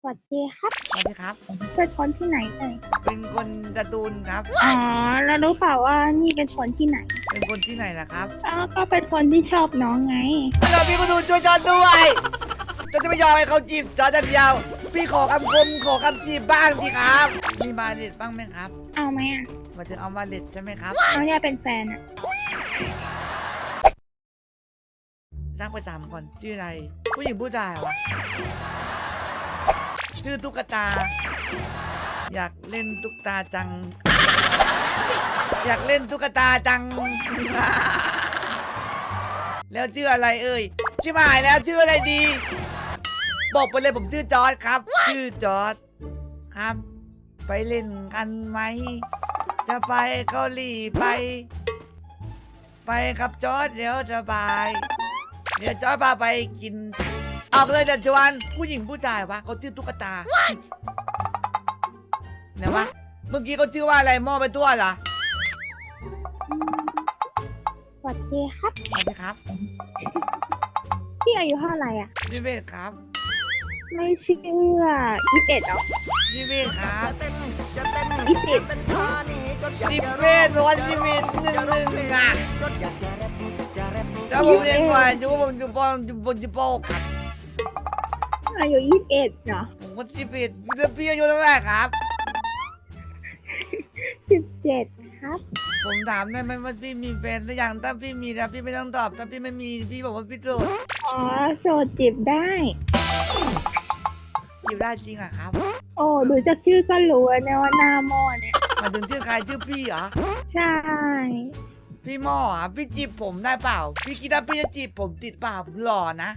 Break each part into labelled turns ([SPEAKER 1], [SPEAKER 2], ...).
[SPEAKER 1] วัสดีครับ
[SPEAKER 2] สวัสดีครับ
[SPEAKER 1] เป็นคนที่ไหนเอ่ย
[SPEAKER 2] เป็นคนสตูลครับ
[SPEAKER 1] อ๋อแล้วรู้เปล่าว่านี่เป็นคนที่ไหน
[SPEAKER 2] เป็นคนที่ไหนล่ะครับ
[SPEAKER 1] ก็เป็นคนที่ชอบน้องไง
[SPEAKER 2] เราพี่ก็ดูช่วยจอนด้วยจะไม่ยอมให้เขาจีบจอนจะเดียวพี่ขอคำคมขอคำจีบบ้างสิครับมีบาเลตบ้างไหมครับ
[SPEAKER 1] เอาไหมอ่ะ
[SPEAKER 2] มาถึงเอาบาเลตใช่ไหมครับ
[SPEAKER 1] น้องอยากเป็นแฟนอ่ะ
[SPEAKER 2] นั่งไปถามก่อนชื่ออะไรผู้หญิงผู้ชายวะชื่อตุ๊กตาอยากเล่นตุ๊กตาจังอยากเล่นตุ๊กตาจังแล้วชื่ออะไรเอ่ยชิบหายแล้วชื่ออะไรดีบอกไปเลยผมชื่อจอร์ดครับชื่อจอร์ดครับไปเล่นกันไหมจะไปเกาหลีไปครับจอร์ดเดี๋ยวสบายเดี๋ยวจอร์ดพาไปกินออกเลยเดี๋ยวชวนผู้หญิงผู้ชายวะเขาชื่อตุ๊กตาไหนวะเมื่อกี้เขาชื่อว่าอะไรหม้อไปทั่วเหรอ
[SPEAKER 1] สวัสดีครับ
[SPEAKER 2] สวัสดีครับ
[SPEAKER 1] พี่อายุเท่าไหร่อ่ะ
[SPEAKER 2] 21ครับ
[SPEAKER 1] ไม่เชื่อ21เหรอ
[SPEAKER 2] 21ครับ
[SPEAKER 1] 20
[SPEAKER 2] 11ร้อย2111อ่ะแล้วผมเรียนก่อนอยู่ผมอยู่ปครับ
[SPEAKER 1] อายุ21เหรอ
[SPEAKER 2] ผมก็11แล้วพี่อายุเท่าไหร่ครับ
[SPEAKER 1] 17ครับ
[SPEAKER 2] ผมถามได้ไหมว่าพี่มีแฟนหรือยังถ้าพี่มีแล้วพี่ไม่ต้องตอบถ้าพี่ไม่มีพี่บอกว่าพี่โสด
[SPEAKER 1] โสดจีบได้
[SPEAKER 2] จีบได้จริงเหรอครับ
[SPEAKER 1] โอ้ดูจากชื่อก็รู้นะว่าหน้าหม้อเนี่ย
[SPEAKER 2] มาถึงชื่อใครชื่อพี่เหรอ
[SPEAKER 1] ใช่
[SPEAKER 2] พี่หม้ออ่ะพี่จีบผมได้เปล่าพี่คิดว่าพี่จะจีบผมติดเปล่าผมหล่อนะ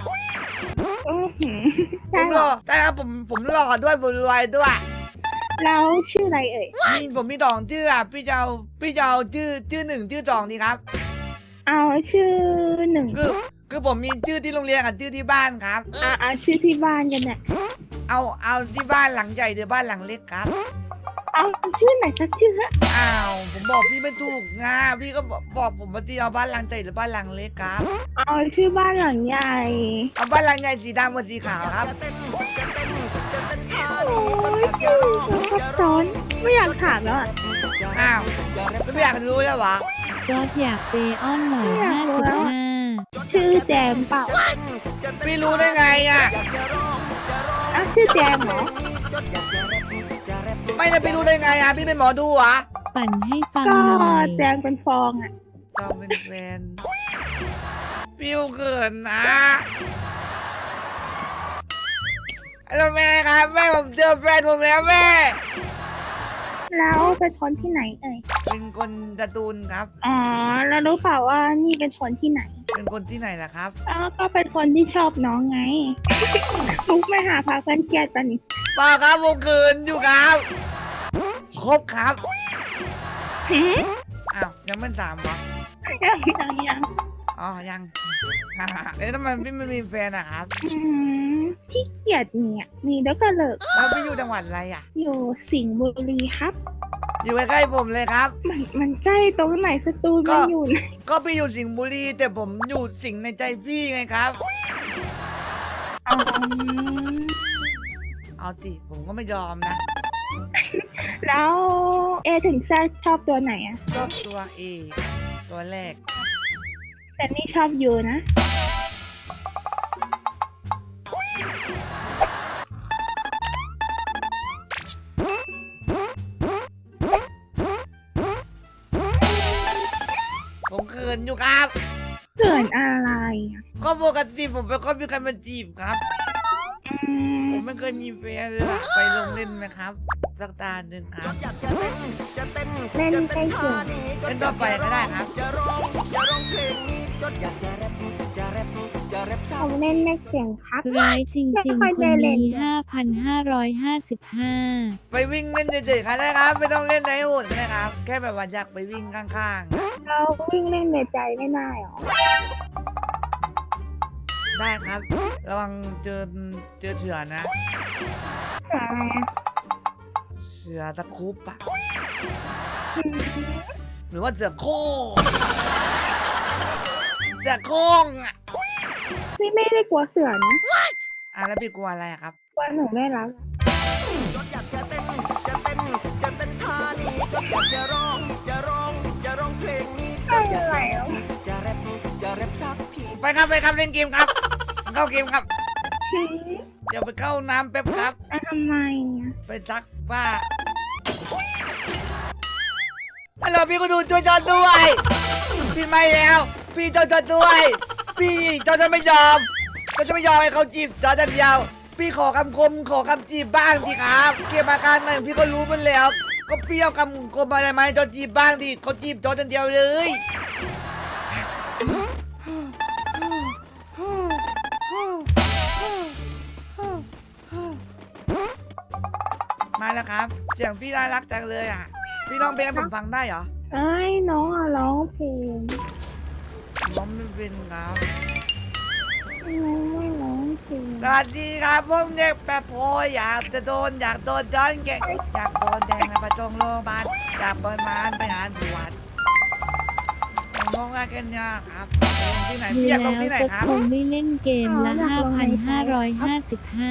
[SPEAKER 2] ผมหล่อแต่ครับผมหล่อด้วยผมรวยด้วย
[SPEAKER 1] แล้วชื่ออะไรเอ่ย
[SPEAKER 2] ผมมี2ชื่ออ่ะพี่จะเอาชื่อ1ชื่อ2ดีครับ
[SPEAKER 1] เอาชื่อ1
[SPEAKER 2] คือผมมีชื่อที่โรงเรียนกับชื่อที่บ้านครับ
[SPEAKER 1] เอาชื่อที่บ้านกันเนี่ย
[SPEAKER 2] เอาที่บ้านหลังใหญ่หรือบ้านหลังเล็กครับ
[SPEAKER 1] เอาชื่อไหนสักชื่อฮะ
[SPEAKER 2] ผมบอกพี่ไม่ถูกไงพี่ก็บอกผมว่าที่เอาบ้านหลังใหญ่หรือบ้านหลังเล็กครับ
[SPEAKER 1] เอาชื่อบ้านหลังใหญ่
[SPEAKER 2] เอาบ้านหลังใหญ่สีดำกับสีขาวครับ
[SPEAKER 1] โอ้ยชื่อซับซ้อนไม่อยากถามแล้วอ่ะ
[SPEAKER 2] ไม่อยากรู้แล้ววะ
[SPEAKER 3] จอร์จอยากเปอ้อนหน่อย55
[SPEAKER 1] ชื่อแจมเปล่า
[SPEAKER 2] พี่รู้ได้ไงอ่ะ
[SPEAKER 1] ชื่อแจมเหรอ
[SPEAKER 2] ไม่ได้พี่รู้ได้ไงอ่ะพี่เป็นหมอดูเหรอ
[SPEAKER 3] ปั่นให้ฟังหน่อย
[SPEAKER 1] แจมเป็นฟองอ่ะ
[SPEAKER 2] ก็เป็นแฟนพี่เขินนะแล้วแม่ครับแม่ผมเจอแฟนผมแล้วแม่
[SPEAKER 1] แล้วเป็นคนที่ไหนเอ่ย
[SPEAKER 2] เป็นคนสตูลครับ
[SPEAKER 1] แล้วรู้เปล่าว่านี่เป็นคนที่ไหน
[SPEAKER 2] เป็นคนที่ไหนล่ะครับ
[SPEAKER 1] ก็เป็นคนที่ชอบน้องไงมุกไม่หาพาเพื่อนเครียดตอนนี้
[SPEAKER 2] ป่าครับผมเขินอยู่ครับครบครับยังไม่ถามวะ
[SPEAKER 1] ยัง
[SPEAKER 2] ยังทำไมพี่ไม่มีแฟนอะครับ
[SPEAKER 1] พี่เกียดเนี่ยมีแล้วก็เลิก
[SPEAKER 2] แล้วพี่อยู่จังหวัดอะไรอะ
[SPEAKER 1] อยู่สิงห์บุรีครับ
[SPEAKER 2] อยู่ใกล้ๆผมเลยครับ
[SPEAKER 1] มันใกล้ตรงไหนสตูลมันอยู่ไหน
[SPEAKER 2] ก็พี่อยู่สิงห์บุรีแต่ผมอยู่สิงห์ในใจพี่ไงครับเอาติผมก็ไม่ยอมนะ
[SPEAKER 1] แล้วถึงแซชอบตัวไหนอะ
[SPEAKER 2] ชอบตัวเอตัวแรก
[SPEAKER 1] แต่นี่ชอบยูนะ
[SPEAKER 2] ผมเขินอยู่ครับ
[SPEAKER 1] เขินอะไร
[SPEAKER 2] ก็ปกติผมเป็นคนมีใครมาจีบครับผมไม่เคยมีแฟนเลยไปลงเล่นไหมครับสักตาหนึ่งครับ
[SPEAKER 1] เล่นใกล้เคียง
[SPEAKER 2] เล่นต่อไปก็ได้ครับ
[SPEAKER 1] ผมเล่นในเสียงครับ
[SPEAKER 3] ร้ายจริงๆคนนี้5,555
[SPEAKER 2] ไปวิ่งเล่นเฉยๆครับได้ครับไม่ต้องเล่นในหุ่นนะครับแค่แบบว่าอยากไปวิ่งข้าง
[SPEAKER 1] ๆเราวิ่งเล่นในใจไม่ได้หรอ
[SPEAKER 2] ได้ครับระวังเจอเถื่อนนะเสือตะคุบปะหรือว่าเสือโค้งอ่ะ
[SPEAKER 1] พี่ไม่ได้กลัวเสือนะ
[SPEAKER 2] แล้วพี่กลัวอะไรครับ
[SPEAKER 1] กลัวหนูไม่รัก
[SPEAKER 4] จดอยากจะเต้นท่านี้จดอยากจะร้องเพลงนี้จดอยากจะแรปสักที
[SPEAKER 2] ไปครับเล่นเกมครับเข้าเกมครับเดี๋ยวไปเข้าน้ำแป๊บครับ
[SPEAKER 1] ทำไมอะ
[SPEAKER 2] ไปซักผ้าฮัลโหลพี่ก็ดูช่วยจอดด้วยพี่ไม่แล้ว พี่จอดด้วย พี่จอดจะไม่ยอมให้เขาจีบจอดเดียวพี่ขอคำคมขอคำจีบบ้างดิครับเกมอาการหน่อยพี่ก็รู้มันแล้ว ก็พี่เอาคำคมอะไรมาให้จอจีบบ้างดิเขาจีบจอดเดียวเลยมาแล้วครับเสียงพี่น่ารักจังเลยอ่ะพี่ร้องเพลงให้ผมฟังได้เหรอ
[SPEAKER 1] ไอ้น้องอะร้องเพลง
[SPEAKER 2] ร้องไม่เป็นครับ
[SPEAKER 1] น้องไม่ร้องเพลง
[SPEAKER 2] สวัสดีครับผมเด็กแปรโพอยากโดนย้อนแกอยากโดนแดงในประจงโรงพยาบาลอยากเปิดมานไปหาตรวจผมมองกันเนี่ยครับที่ไหน
[SPEAKER 3] ดู
[SPEAKER 2] พี่อยากล
[SPEAKER 3] แล้
[SPEAKER 2] ง
[SPEAKER 3] ว
[SPEAKER 2] ที่ไหน
[SPEAKER 3] ก็
[SPEAKER 2] ครับ
[SPEAKER 3] คงไม่เล่นเกมละ 5,555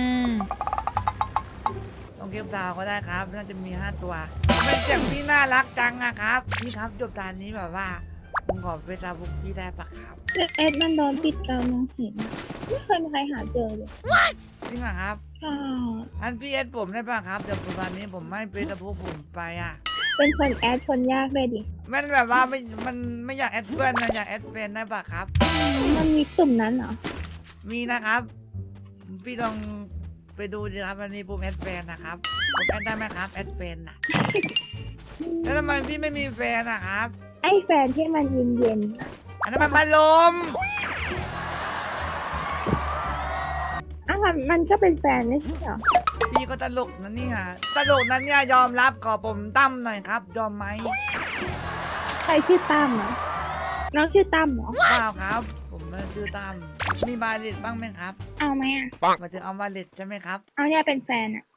[SPEAKER 2] ลงเกมดาวก็ได้ครับน่าจะมี5ตัวเป็นเสียงพี่น่ารักจังอะครับพี่ครับจบตอนนี้แบบว่าผมขอไปตามบุกพี่ได้ปะครับ
[SPEAKER 1] เอ็ดมันโดนปิดเรามองเห็นอะไม่เคยมีใครหาเจอเลย
[SPEAKER 2] จริงเหรอครับ
[SPEAKER 1] ค่ะ
[SPEAKER 2] อันพี่เอสผมได้ปะครับเดี๋ยววันนี้ผมไม่เป็นตะพูผมไปอ่ะ
[SPEAKER 1] เป็นคนแอดคนยากเลยดิ
[SPEAKER 2] มันแบบว่ามันไม่อยากแอดเพื่อนนะอยากแอดแฟนได้ปะครับ
[SPEAKER 1] มันมีกลุ่มนั้นเหรอ
[SPEAKER 2] มีนะครับ พี่ลองไปดูดิครับวันนี้ผมแอดแฟนนะครับผมแอดได้ไหมครับแอดแฟนนะแล้วทำไมพี่ไม่มีแฟนนะครับ
[SPEAKER 1] ไอ้แฟนที่มันเย็นๆอะ
[SPEAKER 2] อันนั้นมันพัดลม
[SPEAKER 1] อ้าวมันก็เป็นแฟนไม่ใช่เหรอ
[SPEAKER 2] พี่ก็ตลกนะเนี่ยตลกนั้นเนี่ยยอมรับขอผมตั้มหน่อยครับยอมไหม
[SPEAKER 1] ใครชื่อตั้มเหรอน้องชื่อตั้มเหรอ
[SPEAKER 2] เปล่าครับ ผมไม่ชื่อตั้มมีบาเลตบ้างไหมครับ
[SPEAKER 1] เอาไหมอะ
[SPEAKER 2] มาถึงเอาบาเลตใช่ไหมครับ
[SPEAKER 1] เอาเนี่ยเป็นแฟนอะ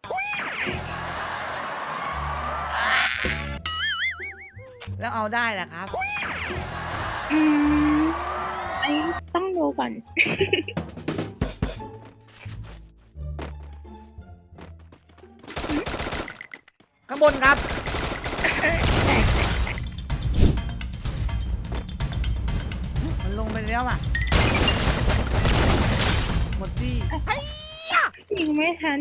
[SPEAKER 2] แล้วเอาได้แหละครับ
[SPEAKER 1] อืมอันนี้ต้องดูก่อน
[SPEAKER 2] ข้างบนครับ มันลงไปแล้วอ่ะ หมดที่
[SPEAKER 1] ยิงไม่ทัน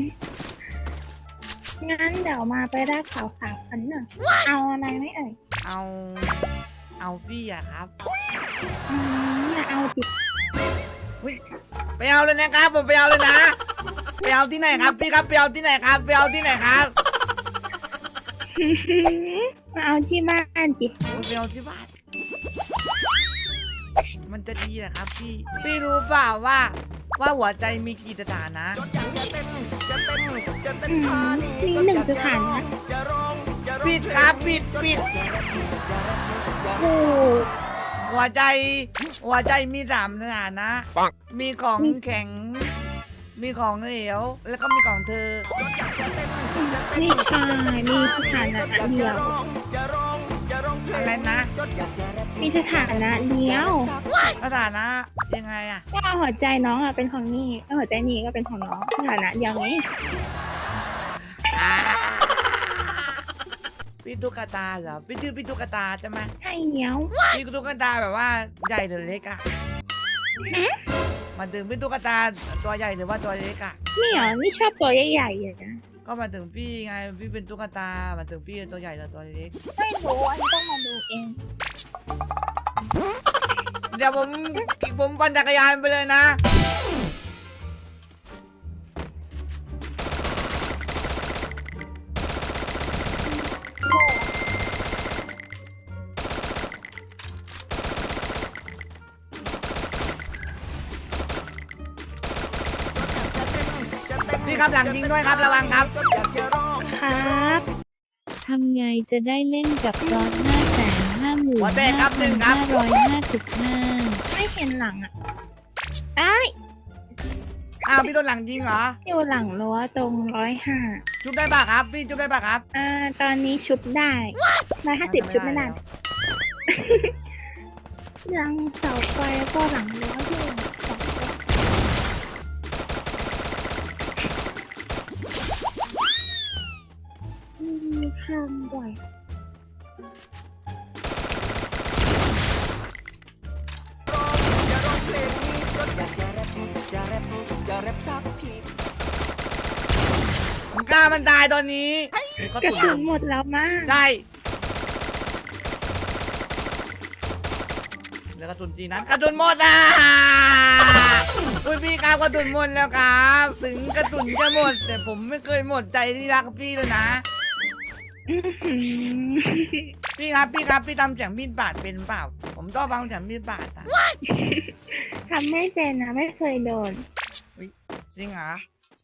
[SPEAKER 1] งั้นเดี๋ยวมาไปได้ข่าวพันหน่อยเอาอะไรไหมเอ่ย
[SPEAKER 2] เอาพี่อะครับ
[SPEAKER 1] อย่าเอาจิต
[SPEAKER 2] ไปเอาเลยนะครับ ผมไปเอาเลยนะ ไปเอาที่ไหนครับพี่ครับ ไปเอาที่ไหนครับ ไปเอาที่ไหนครับ
[SPEAKER 1] มาเอาที่บ้านจิ
[SPEAKER 2] ผมไปเอาที่บ้าน มันจะดีเหรอครับพี่ พี่รู้เปล่าว่าหัวใจมีกี่สถานะ
[SPEAKER 4] จดอยากจะเต้นท่านี้
[SPEAKER 1] มีหนึ่งสถานะ
[SPEAKER 2] ปิดครับปิด
[SPEAKER 1] โอ้
[SPEAKER 2] หัวใจมี3สถานะ มีของแข็ง มีของเหลว แล้วก็มีของเธอ
[SPEAKER 1] นี่ชายมีสถานะเดียว
[SPEAKER 2] อะไรนะ
[SPEAKER 1] มีสถานะเดียว
[SPEAKER 2] สถานะยังไงอะ
[SPEAKER 1] ก็หัวใจน้องอะเป็นของนี่แล้วหัวใจนี่ก็เป็นของน้องสถานะเดียวไง
[SPEAKER 2] พี่ตุ๊กตาเหรอพี่ชื่อพี่ตุ๊กตาใช่ไหม
[SPEAKER 1] ใช่เดียว
[SPEAKER 2] พี่ตุ๊กตาแบบว่าใหญ่หรือเล็กอะมาถึงพี่ตุ๊กตาตัวใหญ่หรือว่าตัวเล็กอะ
[SPEAKER 1] นี่เหรอนี่ชอบตัวใหญ่ๆเลยนะ
[SPEAKER 2] ก็มาถึงพี่ไงพี่เป็นตุ๊กตามาถึงพี่ตัวใหญ่หรือตัวเล็ก
[SPEAKER 1] ไม่รู้อันนี้ต้องมาดูเอง
[SPEAKER 2] เดี๋ยวผมปั่นจักรยานไปเลยนะ พี่ครับหลังยิงด้วยครับระวังครับ
[SPEAKER 1] ครับ
[SPEAKER 3] ทำไงจะได้เล่นกับจอร์ด
[SPEAKER 2] หัวแตกครับหนึ่งครับ
[SPEAKER 3] 555,555
[SPEAKER 1] ไม่เห็นหลังอ่ะไอ้ย
[SPEAKER 2] อ้าวพี่โดนหลังยิงเหรอ
[SPEAKER 1] อยู่หลังรั้วตรง105
[SPEAKER 2] จุบได้ป่ะครับ พี่จุบได้ป่ะครับ
[SPEAKER 1] ตอนนี้ชุบได้150ชุบไม่ได้หลังเสาไฟก็หลังรั้วที่สองข้างบ่อย
[SPEAKER 4] จะร้องเพลงนี้ก็อยากจะแรปจะแรปจะแรปสักที
[SPEAKER 2] มึงกล้ามันตายตอนนี้เขา
[SPEAKER 1] กระ
[SPEAKER 2] ตุ่
[SPEAKER 1] สุ
[SPEAKER 2] น
[SPEAKER 1] นหมดแล้วมาก
[SPEAKER 2] ใช่แล้วกระตุนจีนั้นกระตุนหมดอ่ะคุณพี่ครับกระตุนหมดแล้วครับถึงกระตุนจะหมด แต่ผมไม่เคยหมดใจที่รักพี่เลยนะ
[SPEAKER 1] อื้อหือ
[SPEAKER 2] พี่ครับพี่ทำเสียงมีดบาดเป็นเปล่า ผมต้องฟังเสียงมีดบาดอ่ะ
[SPEAKER 1] ทำไม่เป็นนะไม่เคยโดน
[SPEAKER 2] จริงเหรอ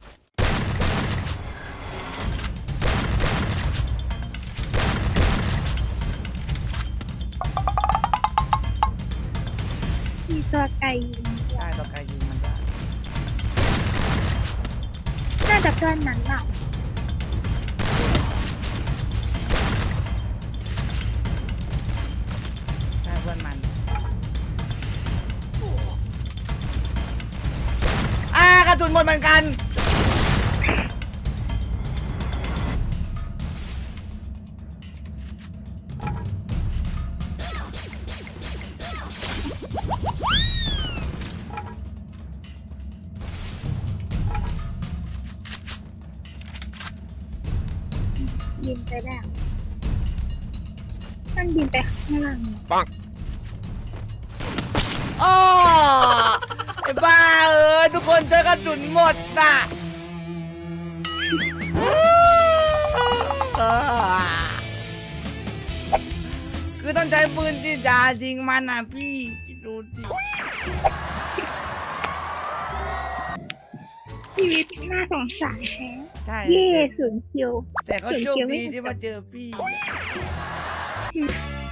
[SPEAKER 1] มีตัวไก่ยิง
[SPEAKER 2] ได้ต่อไกลยิงมันได้
[SPEAKER 1] น่าจะเพื่อนนั้นแหละ
[SPEAKER 2] ได้เพื่อนมันกระตุนหมดเหมือนกัน
[SPEAKER 1] บินไปแล้วมันบินไปข้างล่าง
[SPEAKER 2] อ๋อไอ้บ้าทุกคนเจอกระสุนหมดน่ะคือต้องใช้ปืนที่จะยิงมันนะพี่คิดดูสิ
[SPEAKER 1] ชีวิตน่าสงสารแท้
[SPEAKER 2] ใช่
[SPEAKER 1] เย่ศูนย์คิว
[SPEAKER 2] แต่ก็โชคดีที่มาเจอพี่